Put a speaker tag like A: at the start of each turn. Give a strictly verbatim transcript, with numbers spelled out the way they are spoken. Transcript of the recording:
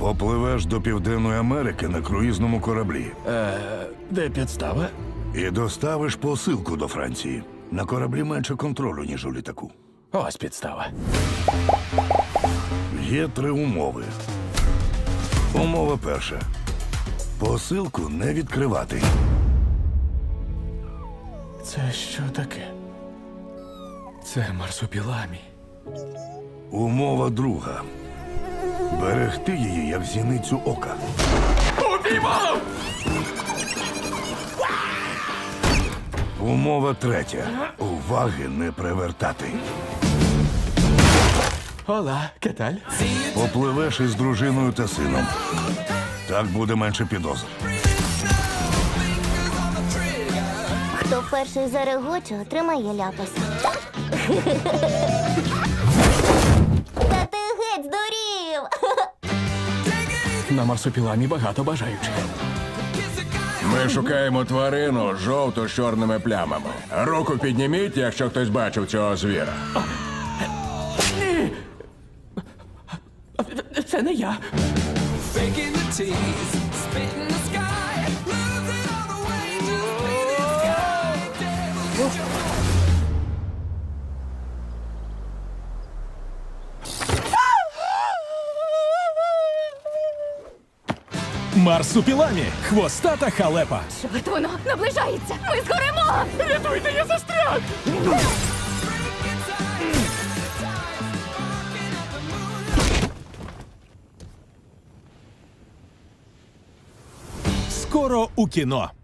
A: Попливеш до Південної Америки на круїзному кораблі
B: Е, де підстава?
A: і доставиш посилку до Франції. На кораблі менше контролю, ніж у літаку.
B: Ось підстава.
A: Є три умови. Умова перша. Посилку не відкривати.
B: Це що таке? Це марсупіламі.
A: Умова друга. Берегти її, як зіницю ока.
B: Убивав!
A: Умова третя. Уваги не привертати.
B: Ола, кеталь?
A: Попливеш із дружиною та сином. Так буде менше підозр.
C: Хто перший зарегоче, отримає ляпаса. Та ти геть здурів!
B: На марсупіламі багато бажаючих.
D: Ми шукаємо тварину жовту з чорними плямами. Руку підніміть, якщо хтось бачив цього звіра.
B: Ні! Це не я.
E: Faking the tease, spitting the sky, losing all the way, just bleeding sky.
F: Марсупіламі. Хвостата халепа.
G: Чорт, воно наближається! Ми згоремо!
B: Рятуйте, я застряг!
F: Скоро у кіно.